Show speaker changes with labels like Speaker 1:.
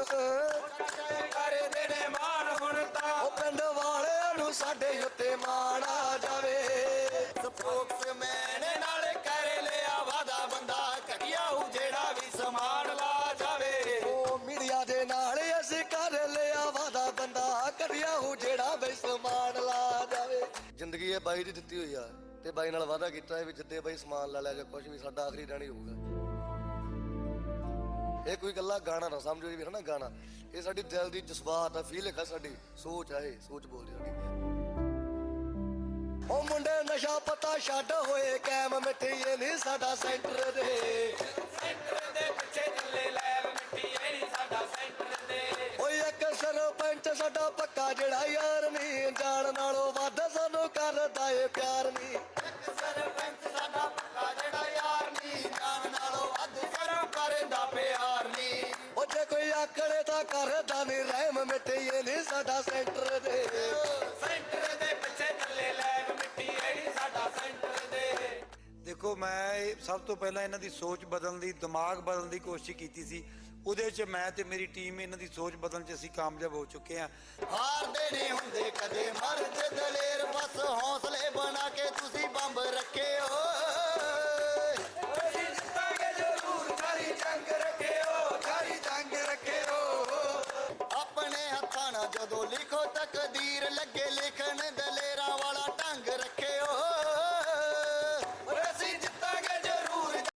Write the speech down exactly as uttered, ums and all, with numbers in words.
Speaker 1: ਕਰਦੇ ਨੇ ਮਾਣ ਹੁਣ ਤਾਂ
Speaker 2: ਉਹ ਪਿੰਡ ਵਾਲਿਆਂ ਨੂੰ ਸਾਡੇ ਉੱਤੇ ਮਾਣ ਆ ਜਾਵੇ।
Speaker 1: ਸਪੋਕਸਮੈਨ ਨਾਲ ਕਰ ਲਿਆ ਵਾਦਾ ਬੰਦਾ ਘਟਿਆ ਉਹ ਜਿਹੜਾ ਵੀ ਸਮਾਨ ਲਾ ਜਾਵੇ।
Speaker 2: ਉਹ ਮੀਡੀਆ ਦੇ ਨਾਲ ਅਸੀਂ ਕਰ ਲਿਆ ਵਾਦਾ ਬੰਦਾ ਘਟਿਆ ਉਹ ਜਿਹੜਾ ਵੀ ਸਮਾਨ ਲਾ ਜਾਵੇ। ਜ਼ਿੰਦਗੀ ਇਹ ਬਾਈ ਦੀ ਦਿੱਤੀ ਹੋਈ ਆ ਤੇ ਬਾਈ ਨਾਲ ਵਾਦਾ ਕੀਤਾ ਹੈ ਵੀ ਜਿੱਦੇ ਬਾਈ ਸਮਾਨ ਲਾ ਲਿਆ ਜਾਂ ਕੁਝ ਵੀ ਸਾਡਾ ਆਖਰੀ ਰਹਿਣੀ ਹੋਊਗਾ। ਇਹ ਕੋਈ ਗੱਲਾਂ ਗਾਣਾ ਨਾ ਸਮਝੋ ਜੀ, ਵੀ ਹਨਾ ਗਾਣਾ ਇਹ ਸਾਡੀ ਦਿਲ ਦੀ ਜਜ਼ਬਾਤ ਆ, ਫੀਲ ਹੈ ਸਾਡੀ ਸੋਚ ਆ, ਇਹ ਸੋਚ ਬੋਲਦੀ ਸਾਡੀ। ਉਹ ਮੁੰਡੇ ਨਸ਼ਾ ਪਤਾ ਛੱਡ ਹੋਏ ਕੈਮ ਮਿੱਠੀਏ ਨਹੀਂ ਸਾਡਾ ਸੈਂਟਰ ਦੇ
Speaker 1: ਸੈਂਟਰ ਦੇ ਪਿੱਛੇ ਚੱਲੇ ਲੈਬ ਮਿੱਟੀ ਇਹ ਨਹੀਂ ਸਾਡਾ ਸੈਂਟਰ ਦੇ।
Speaker 2: ਓਏ ਇੱਕ ਸਰਪੰਚ ਸਾਡਾ ਪੱਕਾ ਜਿਹੜਾ ਯਾਰ ਨਹੀਂ ਜਾਣ ਨਾਲੋਂ ਵੱਧ ਸਾਨੂੰ ਕਰਦਾ ਏ ਪਿਆਰ ਨਹੀਂ।
Speaker 1: ਇੱਕ ਸਰਪੰਚ ਸਾਡਾ ਪੱਕਾ ਜਿਹੜਾ ਯਾਰ ਨਹੀਂ ਜਾਣ ਨਾਲੋਂ ਵੱਧ ਕਰੋ ਕਰਦਾ ਪਿਆਰ ਨਹੀਂ।
Speaker 2: ਉਹ ਜੇ ਕੋਈ ਆਕੜੇ ਤਾਂ ਕਰਦਾ ਨਹੀਂ ਰਹਿਮ ਮਿੱਠੀਏ ਨਹੀਂ ਸਾਡਾ ਸੈਂਟਰ ਦੇ
Speaker 1: ਸੈਂਟਰ ਦੇ ਪਿੱਛੇ ਚੱਲੇ ਲੈਬ ਮਿੱਟੀ ਇਹ ਨਹੀਂ ਸਾਡਾ ਸੈਂਟਰ ਦੇ।
Speaker 3: ਦੇਖੋ ਮੈਂ ਇਹ ਸਭ ਤੋਂ ਪਹਿਲਾਂ ਇਹਨਾਂ ਦੀ ਸੋਚ ਬਦਲਣ ਦੀ, ਦਿਮਾਗ ਬਦਲਣ ਦੀ ਕੋਸ਼ਿਸ਼ ਕੀਤੀ ਸੀ। ਉਹਦੇ 'ਚ ਮੈਂ ਤੇ ਮੇਰੀ ਟੀਮ ਇਹਨਾਂ ਦੀ ਸੋਚ ਬਦਲਣ 'ਚ ਅਸੀਂ ਕਾਮਯਾਬ ਹੋ ਚੁੱਕੇ ਹਾਂ।
Speaker 2: ਹਾਰਦੇ ਨਹੀਂ ਹੁੰਦੇ ਕਦੇ ਮਰਦ ਦਲੇਰ, ਬਸ ਹੌਸਲੇ ਬਣਾ ਕੇ ਤੁਸੀਂ ਬੰਬ ਰੱਖਿਓ।
Speaker 1: ਅਸੀਂ ਜਿੱਤਾਂਗੇ ਜ਼ਰੂਰ, ਸਾਰੀ ਜੰਗ ਰੱਖਿਓ, ਸਾਰੀ ਜੰਗ ਰੱਖਿਓ।
Speaker 2: ਆਪਣੇ ਹੱਥਾਂ ਨਾਲ ਜਦੋਂ ਲਿਖੋ ਤੱਕ